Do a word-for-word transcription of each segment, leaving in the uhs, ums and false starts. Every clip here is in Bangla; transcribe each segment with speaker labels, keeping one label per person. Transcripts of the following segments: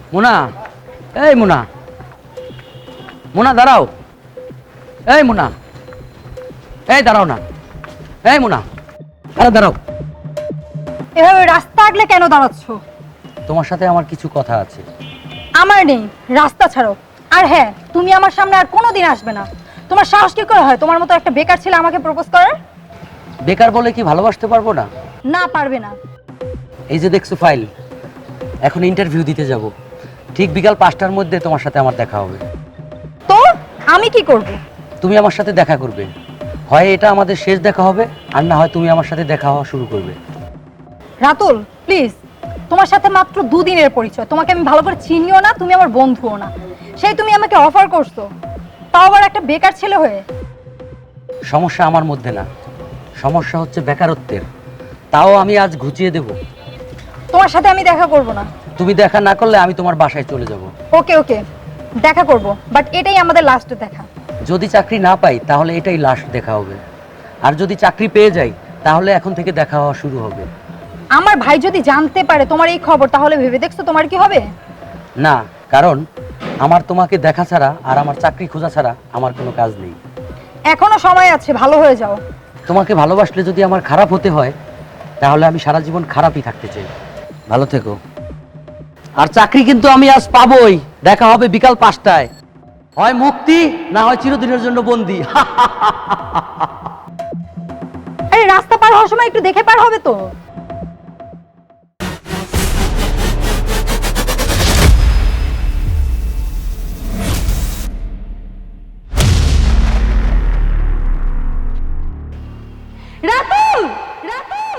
Speaker 1: মুনা, এই মুনা, মুনা দাঁড়াও, এই মুনা, এই দাঁড়াও না, এই মুনা, আরে দাঁড়াও।
Speaker 2: এভাবে রাস্তা আগলে কেন দাঁড়াচ্ছ?
Speaker 1: তোমার সাথে আমার কিছু কথা আছে।
Speaker 2: আমার নেই, রাস্তা ছাড়ো। আর হ্যাঁ, তুমি আমার সামনে আর কোনোদিন আসবে না। তোমার সাহস কি করে হয় তোমার মতো একটা বেকার ছেলে আমাকে প্রপোজ করার?
Speaker 1: বেকার বলে কি ভালোবাসতে পারবো না?
Speaker 2: না, পারবে না।
Speaker 1: এই যে দেখছো ফাইল, এখন ইন্টারভিউ দিতে যাব। ঠিক বিকাল পাঁচটার মধ্যে তোমার সাথে আমার দেখা হবে।
Speaker 2: তো আমি কি করব?
Speaker 1: তুমি আমার সাথে দেখা করবে। হয় এটা আমাদের শেষ দেখা হবে, আর না হয় তুমি আমার সাথে দেখা হওয়া শুরু করবে।
Speaker 2: রাতুল, প্লিজ, তোমার সাথে মাত্র দুদিনের পরিচয়। তোমাকে আমি ভালো করে চিনিও না, তুমি আমার বন্ধুও না। সেই তুমি আমাকে অফার করছো, তাও আবার একটা বেকার ছেলে হয়ে।
Speaker 1: সমস্যা আমার মধ্যে না, সমস্যা হচ্ছে বেকারত্বের। তাও আমি আজ ঘুচিয়ে দেব।
Speaker 2: তোমার সাথে আমি দেখা করব না।
Speaker 1: তুমি দেখা না করলে আমি তোমার বাসায় চলে যাব।
Speaker 2: ওকে ওকে, দেখা করব, বাট এটাই আমাদের লাস্ট দেখা।
Speaker 1: যদি চাকরি না পাই তাহলে এটাই লাস্ট দেখা হবে, আর যদি চাকরি পেয়ে যাই তাহলে এখন থেকে দেখা হওয়া শুরু হবে।
Speaker 2: আমার ভাই যদি জানতে পারে তোমার এই খবর, তাহলে ভেবে দেখছো তোমার কি হবে?
Speaker 1: না, কারণ আমার তোমাকে দেখা ছাড়া আর আমার চাকরি খোঁজা ছাড়া আমার কোনো কাজ নেই।
Speaker 2: এখনো সময় আছে, ভালো হয়ে যাও।
Speaker 1: তোমাকে ভালোবাসলে যদি আমার খারাপ হতে হয় তাহলে আমি সারা জীবন খারাপই থাকতে চাই। ভালো থেকো। আর চাকরি কিন্তু আমি আজ পাবোই। দেখা হবে বিকাল পাঁচটায়। হয় মুক্তি, না হয় চিরদিনের জন্য বন্দি।
Speaker 2: আরে রাস্তা পার হওয়ার সময় একটু দেখে পার হবে তো। রাতুল, রাতুল।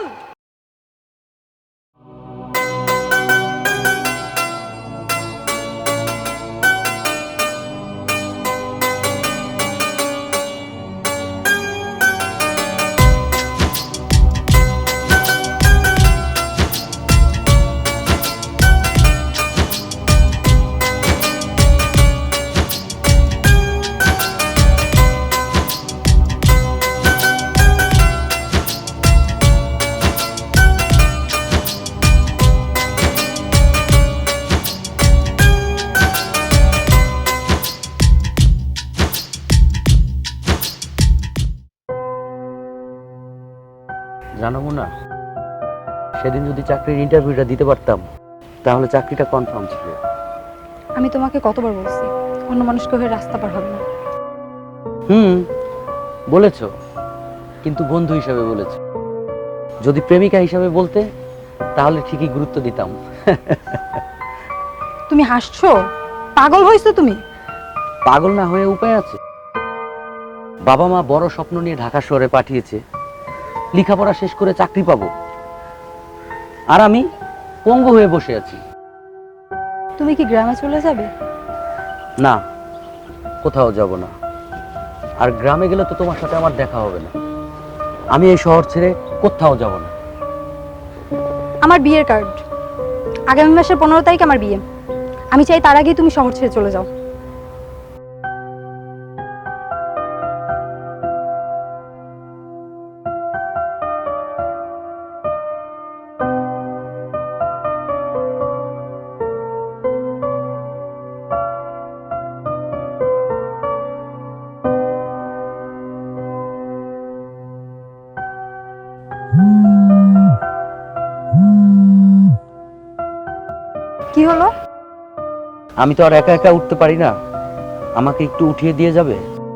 Speaker 1: জানো না, সেদিন যদি চাকরির ইন্টারভিউটা দিতে পারতাম তাহলে চাকরিটা কনফার্ম ছিল।
Speaker 2: আমি তোমাকে কতবার বলছি অন্য মানুষকে হয়ে রাস্তা পার হবে না।
Speaker 1: হুম, বলেছ, কিন্তু বন্ধু হিসাবে বলেছ। যদি প্রেমিকা হিসাবে বলতে তাহলে ঠিকই গুরুত্ব দিতাম।
Speaker 2: তুমি হাসছো? পাগল হইছো তুমি?
Speaker 1: পাগল না হয়ে উপায় আছে? বাবা মা বড় স্বপ্ন নিয়ে ঢাকা শহরে পাঠিয়েছে, লেখাপড়া শেষ করে চাকরি পাবো, আর আমি পঙ্গু হয়ে বসে আছি।
Speaker 2: তুমি কি গ্রামে চলে যাবে?
Speaker 1: না, কোথাও যাব না। আর গ্রামে গেলে তো তোমার সাথে আমার দেখা হবে না। আমি এই শহর ছেড়ে কোথাও যাব না।
Speaker 2: আমার বিয়ের কার্ড, আগামী মাসের পনেরো তারিখ আমার বিয়ে। আমি চাই তার আগেই তুমি শহর ছেড়ে চলে যাও। কি হলো?
Speaker 1: আমি তো আর একা একা উঠতে পারি না, আমাকে একটু উঠিয়ে দিয়ে যাবে?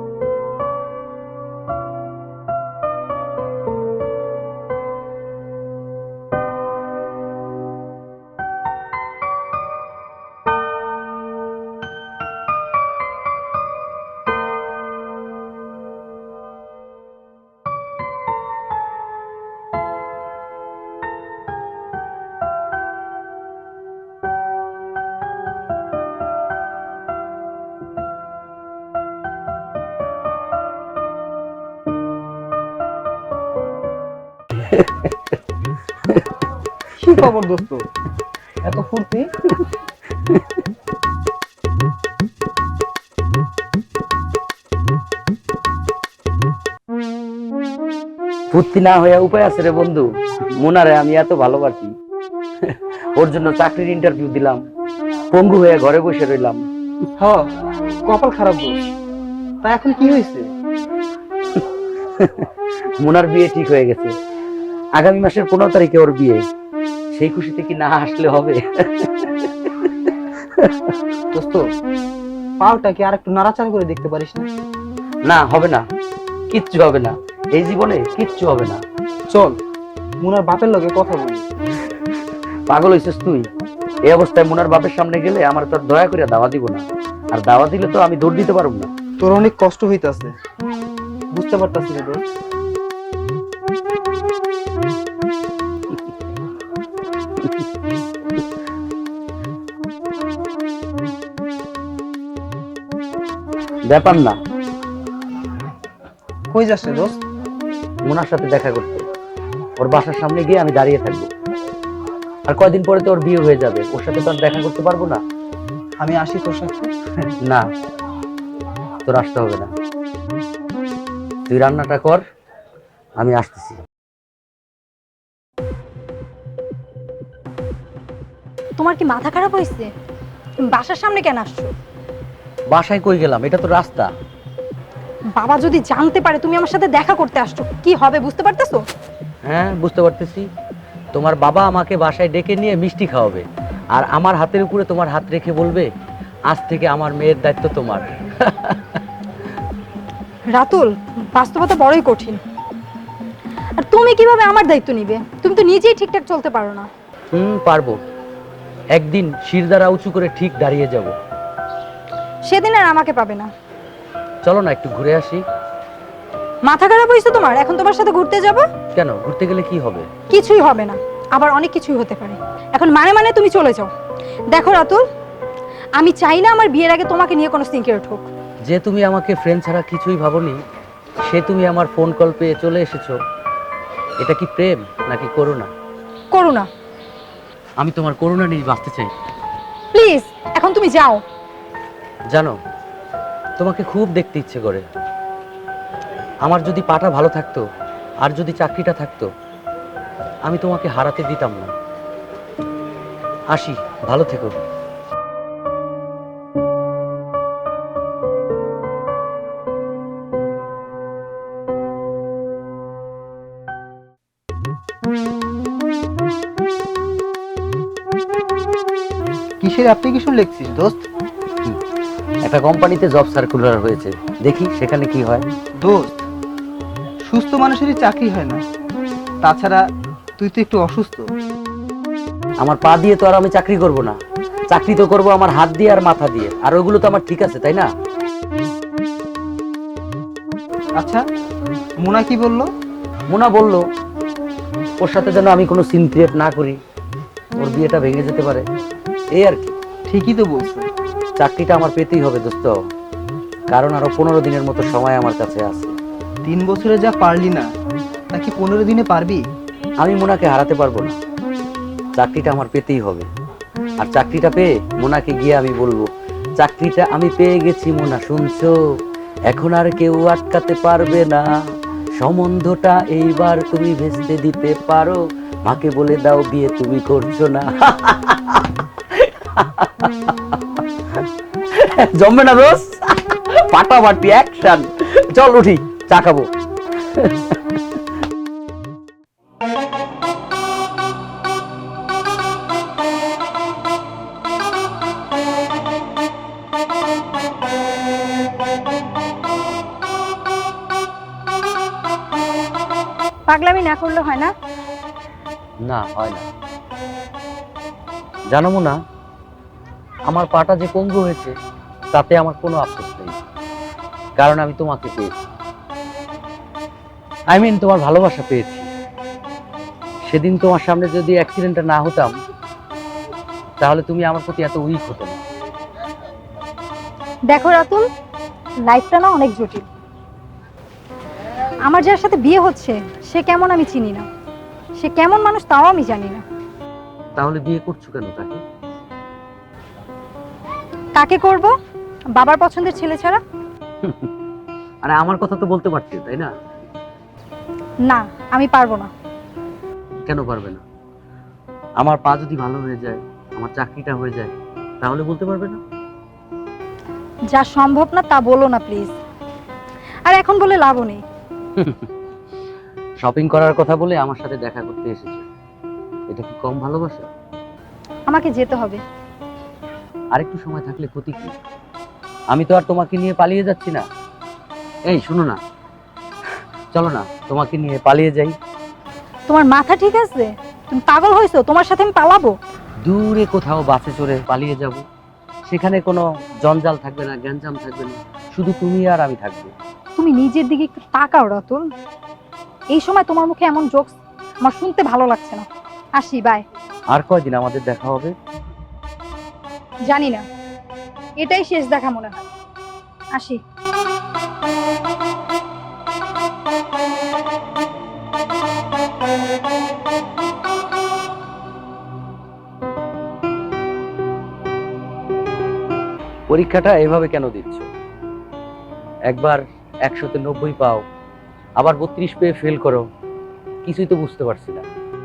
Speaker 3: কি খবর দোস্ত, এত ফুর্তি?
Speaker 1: ফুর্তি না হয়ে উপায় আছে রে বন্ধু। মোনারে আমি এত ভালোবাসি, ওর জন্য চাকরির ইন্টারভিউ দিলাম, পঙ্গু হয়ে ঘরে বসে রইলাম।
Speaker 3: হ, কপাল খারাপ দোস্ত। তা এখন কি হয়েছে?
Speaker 1: মুনার বিয়ে ঠিক হয়ে গেছে, আগামী মাসের পনেরো তারিখে ওর বিয়ে। সেই খুশিতে কি না আসলে হবে?
Speaker 3: দোস্ত, পাওটা কি আর একটু নাড়াচাড়া করে দেখতে পারিস না?
Speaker 1: না, হবে না, কিচ্ছু হবে না, এই জীবনে কিচ্ছু হবে না।
Speaker 3: চল মুনার বাপের লগে কথা বলি।
Speaker 1: পাগল হইছিস তুই? এই অবস্থায় মুনার বাপের সামনে গেলে আমার তোর দয়া করে দাওয়া দিব না, আর দাওয়া দিলে তো আমি দৌড় দিতে পারব না।
Speaker 3: তোর অনেক কষ্ট হইতাছে, বুঝতে পারতাছি রে দোস্ত।
Speaker 1: ব্যাপার না,
Speaker 3: কই যাস রে দোস্ত?
Speaker 1: মুনার সাথে দেখা করতে। ওর বাসার সামনে গিয়ে আমি দাঁড়িয়ে থাকবো। আর কয়দিন পরে তো ওর বিয়ে হয়ে যাবে, ওর সাথে তো আর দেখা করতে পারবো না।
Speaker 3: আমি আসি তোর সাথে?
Speaker 1: না, তোর আসতে হবে না, তুই রান্নাটা কর, আমি আসতেছি।
Speaker 2: তোমার কি মাথা খারাপ হয়েছে? তুমি বাসার সামনে কেন আসছো?
Speaker 1: বাসায় কই গেলাম? এটা তো রাস্তা।
Speaker 2: বাবা যদি জানতে পারে তুমি আমার সাথে দেখা করতে আসছো, কি হবে বুঝতে পারতেছো?
Speaker 1: হ্যাঁ, বুঝতে পারতেছি। তোমার বাবা আমাকে বাসায় ডেকে নিয়ে মিষ্টি খাওয়াবে, আর আমার হাতের উপরে তোমার হাত রেখে বলবে, আজ থেকে আমার মেয়ের দায়িত্ব তোমার।
Speaker 2: রাতুল, বাস্তবতা বড়ই কঠিন। আর তুমি কিভাবে আমার দায়িত্ব নিবে? তুমি তো নিজেই ঠিকঠাক চলতে পারো না।
Speaker 1: হুম, পারবো। একদিন শিরদাঁড়া উঁচু করে ঠিক দাঁড়িয়ে যাব।
Speaker 2: সেদিন আর আমাকে পাবে না।
Speaker 1: চলো না একটু ঘুরে আসি।
Speaker 2: মাথা খারাপ হয়েছে তোমার? এখন তোমার সাথে ঘুরতে যাব?
Speaker 1: কেন, ঘুরতে গেলে কি হবে?
Speaker 2: কিছুই হবে না, আবার অনেক কিছুই হতে পারে। এখন মানে মানে তুমি চলে যাও। দেখো রাতুল, আমি চাই না আমার বিয়ের আগে তোমাকে নিয়ে কোনো সিনক্রেট হোক।
Speaker 1: যে তুমি আমাকে ফ্রেন্ড ছাড়া কিছুই ভাবোনি, সে তুমি আমার ফোন কল পেয়ে চলে এসেছো। এটা কি প্রেম নাকি করুণা?
Speaker 2: করুণা।
Speaker 1: আমি তোমার করুণা নিয়ে বাঁচতে চাই।
Speaker 2: প্লিজ এখন তুমি যাও।
Speaker 1: জানো, তোমাকে খুব দেখতে ইচ্ছে করে। আমার যদি পাটা ভালো থাকতো, আর যদি চাকরিটা থাকতো, আমি তোমাকে হারাতে দিতাম না। আসি, ভালো থেকো।
Speaker 3: কিসের অ্যাপ্লিকেশন লিখছিস দোস্ত?
Speaker 1: একটা কোম্পানিতে জব সার্কুলার হয়েছে, দেখি সেখানে কি হয়।
Speaker 3: দোস্ত, সুস্থ মানুষেরই চাকরি হয় না, তাছাড়া তুই তো একটু অসুস্থ।
Speaker 1: আমার পা দিয়ে তো আর আমি চাকরি করব না, চাকরি তো করব আমার হাত দিয়ে আর মাথা দিয়ে, আর ওগুলো তো আমার ঠিক আছে, তাই না?
Speaker 3: আচ্ছা, মুনা কি বললো?
Speaker 1: মোনা বলল ওর সাথে যেন আমি কোনো সিন ক্রিয়েট না করি, ওর বিয়েটা ভেঙে যেতে পারে, এই আর কি।
Speaker 3: ঠিকই তো বলছে।
Speaker 1: চাকরিটা আমার পেতেই হবে দোস্ত, কারণ আরো পনেরো দিনের মতো সময় আমার কাছে আছে।
Speaker 3: তিন বছরে যা পারলি না, নাকি পনেরো দিনে পারবি?
Speaker 1: আমি মোনাকে হারাতে পারবো না, চাকরিটা আমার পেতেই হবে। আর চাকরিটা পেয়ে মোনাকে গিয়ে আমি বলবো, চাকরিটা আমি পেয়ে গেছি মোনা, শুনছো? এখন আর কেউ আটকাতে পারবে না, সম্বন্ধটা এইবার তুমি ভেস্তে দিতে পারো, মাকে বলে দাও বিয়ে তুমি করছো না। জমবে না রোজ? পাটাপাটি অ্যাকশন। চল উঠি, চা খাবো।
Speaker 2: পাগলামি না করলে হয় না?
Speaker 1: না, হয় না। জানো না, আমার পাটা যে পঙ্গু হয়েছে তাতে আমার কোনো আফসোস নেই, কারণ আমি তোমাকে পেয়েছি। আই মিন তোমার ভালোবাসা পেয়েছি। সেদিন তোমার সামনে যদি অ্যাক্সিডেন্টটা না হতাম, তাহলে তুমি আমার প্রতি এত উইক হতো না।
Speaker 2: দেখো রাতুল, লাইফটা না অনেক জটিল। আমার যার সাথে বিয়ে হচ্ছে সে কেমন আমি চিনি না, সে কেমন মানুষ তাও আমি জানি না।
Speaker 1: তাহলে বিয়ে করছো কেন তাকে?
Speaker 2: কাকে করব? বাবার পছন্দের ছেলে ছাড়া?
Speaker 1: আরে আমার কথা তো বলতে পারছি, তাই না?
Speaker 2: না, আমি পারবো না।
Speaker 1: কেন পারবে না? আমার পা যদি ভালো হয়ে যায়, আমার চাকরিটা হয়ে যায়, তাহলে বলতে পারবে না?
Speaker 2: যা সম্ভব না তা বলো না প্লিজ। আর এখন বলে লাভও নেই।
Speaker 1: শপিং করার কথা বলে আমার সাথে দেখা করতে এসেছো, এটা কি কম ভালোবাসা?
Speaker 2: আমাকে যেতে হবে।
Speaker 1: আরেকটু সময় থাকলে ক্ষতি কি? আমি তো আর তোমাকে নিয়ে পালিয়ে যাচ্ছি না। এই শোনো না, চলো না তোমাকে নিয়ে পালিয়ে যাই।
Speaker 2: তোমার মাথা ঠিক আছে? তুমি পাগল হয়েছো? তোমার সাথে আমি পালাবো?
Speaker 1: দূরে কোথাও বাসে চড়ে পালিয়ে যাব, সেখানে কোনো জঞ্জাল থাকবে না, গ্যাঞ্জাম থাকবে না, শুধু তুমি আর আমি থাকবো।
Speaker 2: তুমি নিজের দিকে একটু তাকাও রাতুল। এই সময় তোমার মুখে এমন জোকস আমার শুনতে ভালো লাগছে না। আসি, বাই।
Speaker 1: আর কয়দিন আমাদের দেখা হবে?
Speaker 2: জানি না, এটাই শেষ দেখা মনে হয়। আসি।
Speaker 1: পরীক্ষাটা এভাবে কেন দিচ্ছ? একবার একশোতে নব্বই পাও, আবার বত্রিশ পেয়ে ফেল করো, কিছুই তো বুঝতে পারছি না।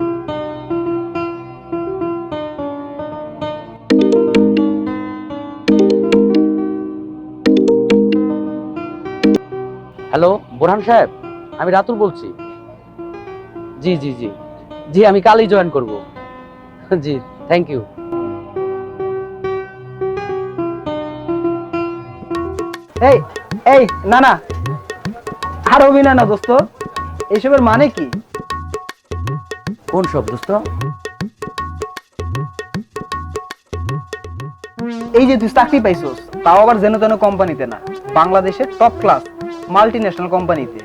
Speaker 1: হ্যালো বোরহান সাহেব, আমি রাতুল বলছি। জি জি জি জি আমি কালই জয়েন করব। জি থ্যাংক ইউ।
Speaker 3: এই এই না না, আর অভিনয় না দোস্ত। এইসবের মানে কি?
Speaker 1: কোন সব দোস্ত?
Speaker 3: এই যে তুই চাকরি পাইছস, তাও আবার যেন তেন কোম্পানিতে না, বাংলাদেশের টপ ক্লাস মাল্টি ন্যাশনাল কোম্পানিতে।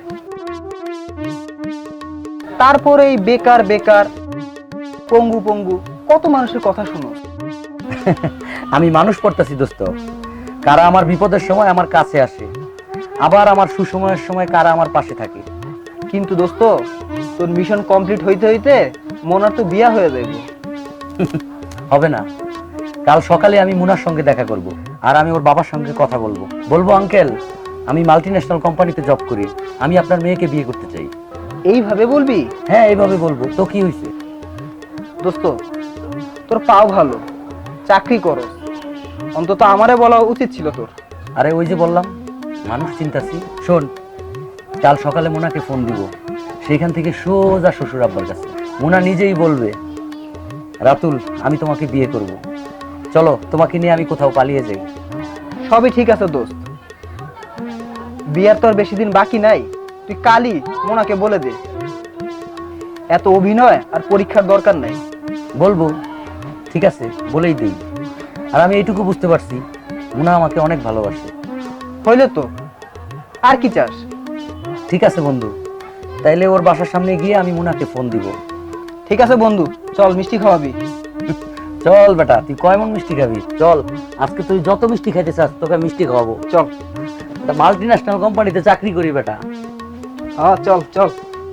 Speaker 3: তারপরে এই বেকার বেকার পঙ্গু পঙ্গু কত মানুষের কথা শুনো।
Speaker 1: আমি মানুষ পড়তাছি দোস্ত, কারা আমার বিপদের সময় আমার কাছে আসে, আবার আমার সুসময়ের সময় কারা আমার পাশে থাকে।
Speaker 3: কিন্তু দোস্ত, তোর মিশন কমপ্লিট হইতে হইতে মোনার তো বিয়া হয়ে যাবে।
Speaker 1: হবে না, কাল সকালে আমি মুনার সঙ্গে দেখা করব, আর আমি ওর বাবার সঙ্গে কথা বলবো। বলবো আঙ্কেল, আমি মাল্টি ন্যাশনাল কোম্পানিতে জব করি, আমি আপনার মেয়েকে বিয়ে করতে চাই।
Speaker 3: এইভাবে বলবি?
Speaker 1: হ্যাঁ এইভাবে বলবো, তো কি হয়েছে?
Speaker 3: দোস্ত, তোর পাও ভালো, চাকরি করো, অন্তত আমারে বলা উচিত ছিল তোর।
Speaker 1: আরে ওই যে বললাম মানুষ চিন্তাছি। শোন, কাল সকালে মোনাকে ফোন দিব, সেইখান থেকে সোজা শ্বশুর আব্বার কাছে। মোনা নিজেই বলবে, রাতুল আমি তোমাকে বিয়ে করব, চলো তোমাকে নিয়ে আমি কোথাও পালিয়ে যাই।
Speaker 3: সবই ঠিক আছে দোস্ত, বিয়ার তো আর বেশি দিন বাকি নাই। তুই কালই মোনাকে বলে দে, এত অভিনয় আর পরীক্ষার দরকার নাই।
Speaker 1: বলবো, ঠিক আছে বলেই দেই। আর আমি এইটুকু বুঝতে পারছি, মোনা আমাকে অনেক ভালোবাসে।
Speaker 3: হইলে তো আর কি চাস?
Speaker 1: ঠিক আছে বন্ধু, তাইলে ওর বাসার সামনে গিয়ে আমি মোনাকে ফোন দিব।
Speaker 3: ঠিক আছে বন্ধু, চল মিষ্টি খাওয়াবি।
Speaker 1: চল বেটা, তুই কয় মন মিষ্টি খাবি? চল, আজকে তুই যত মিষ্টি খাইতে চাস তোকে মিষ্টি খাওয়াবো।
Speaker 3: চল,
Speaker 1: মাল্টি ন্যাশনাল কোম্পানিতে চাকরি করি বেটা।
Speaker 3: হ্যাঁ চল চল।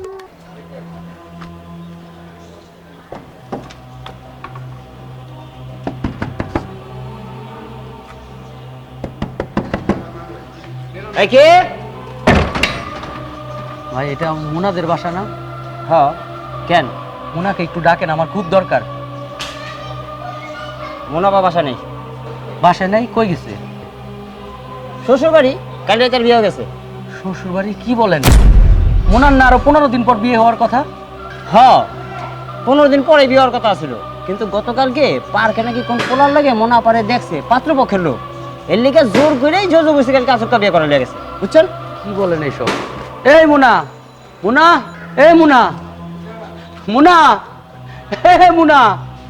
Speaker 1: কে ভাই? এটা মুনাদের বাসা না?
Speaker 3: হ্যাঁ।
Speaker 1: কেন, মুনাকে একটু ডাকেন, আমার খুব দরকার।
Speaker 4: মোনা বা বাসা নেই।
Speaker 1: বাসায় নাই? কই গেছে?
Speaker 4: শ্বশুর বাড়ি, কাল রাতের বিয়ে হয়ে গেছে।
Speaker 1: শ্বশুর বাড়ি? কি বলেন? মুনার না আরো পনেরো দিন পর বিয়ে হওয়ার কথা?
Speaker 4: হ্যাঁ, পনেরো দিন পরে বিয়ে হওয়ার কথা ছিল, কিন্তু গতকালকে পার্কে নাকি কোন পোলার লাগে মোনা পারে দেখছে পাত্রপক্ষের লোক, এর লিগে জোর করেই জোর বসে কালকে আসরটা বিয়ে করা লেগেছে, বুঝছেন?
Speaker 1: কি বলেন এইসব? এই মুনা, মুনা, এই মুনা, মুনা, হে মুনা।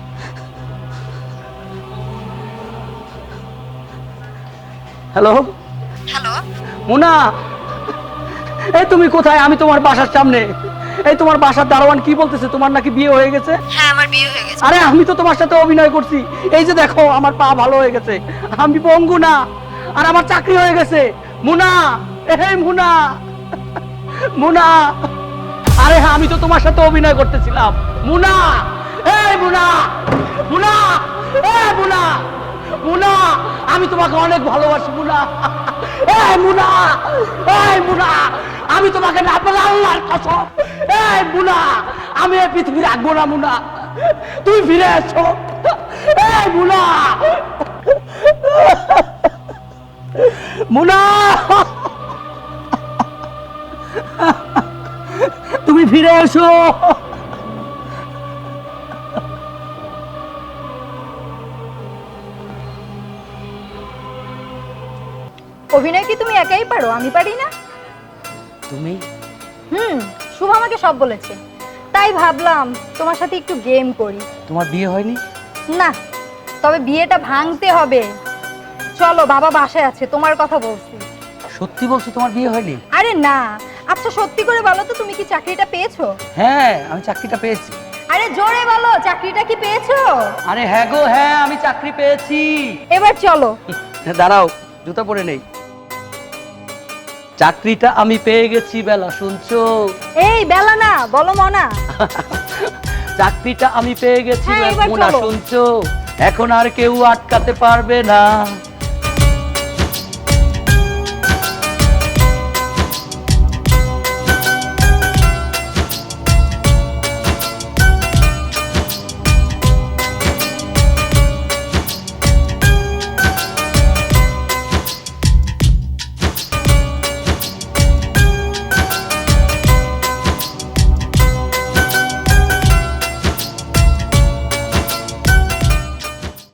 Speaker 1: হ্যালো
Speaker 2: হ্যালো,
Speaker 1: মুনা, এই তুমি কোথায়? আমি তোমার বাসার সামনে। এই তোমার বাসার দারোয়ান কি বলতেছে, তোমার নাকি বিয়ে হয়ে গেছে?
Speaker 2: হ্যাঁ আমার বিয়ে হয়ে গেছে।
Speaker 1: আরে আমি তো তোমার সাথে অভিনয় করছি, এই যে দেখো আমার পা ভালো হয়ে গেছে, আমি পঙ্গু না, আর আমার চাকরি হয়ে গেছে। মুনা, এই মুনা, মুনা, আরে হ্যাঁ আমি তো তোমার সাথে অভিনয় করতেছিলাম। মুনা, এই মুনা, মুনা, এই মুনা, মুনা, আমি তোমাকে অনেক ভালোবাসি মুনা। এই মুনা, এই মুনা, আমি তোমাকে না পেলে আল্লাহর কসম। এই মুনা, আমি এই পৃথিবী রাখবো না মুনা, তুমি ফিরে এসো। এই মুনা। মুনা, তুমি ফিরে এসো।
Speaker 2: অভিনয় কি তুমি একাই পারো, আমি পারি না?
Speaker 1: তুমি
Speaker 2: হুম, শুভ আমাকে সব বলেছে, তাই ভাবলাম তোমার সাথে একটু গেম করি।
Speaker 1: তোমার বিয়ে হয়নি?
Speaker 2: না, তবে বিয়েটা ভাঙতে হবে। চলো, বাবা বাসায় আছে, তোমার কথা বলছি।
Speaker 1: সত্যি বলছো তোমার বিয়ে হয়নি?
Speaker 2: আরে না। আচ্ছা সত্যি করে বলো তো, তুমি কি চাকরিটা পেয়েছো?
Speaker 1: হ্যাঁ, আমি চাকরিটা পেয়েছি।
Speaker 2: আরে জোরে বলো, চাকরিটা কি পেয়েছো?
Speaker 1: আরে হ্যাঁ গো হ্যাঁ, আমি চাকরি পেয়েছি।
Speaker 2: এবার চলো।
Speaker 1: দাঁড়াও, জুতা পরে নেই। চাকরিটা আমি পেয়ে গেছি বেলা, শুনছো?
Speaker 2: এই বেলা না, বলো মনা।
Speaker 1: চাকরিটা আমি পেয়ে গেছি
Speaker 2: হ্যাঁ, এবার
Speaker 1: মোনা,
Speaker 2: চলো।
Speaker 1: শুনছো? এখন আর কেউ আটকাতে পারবে না।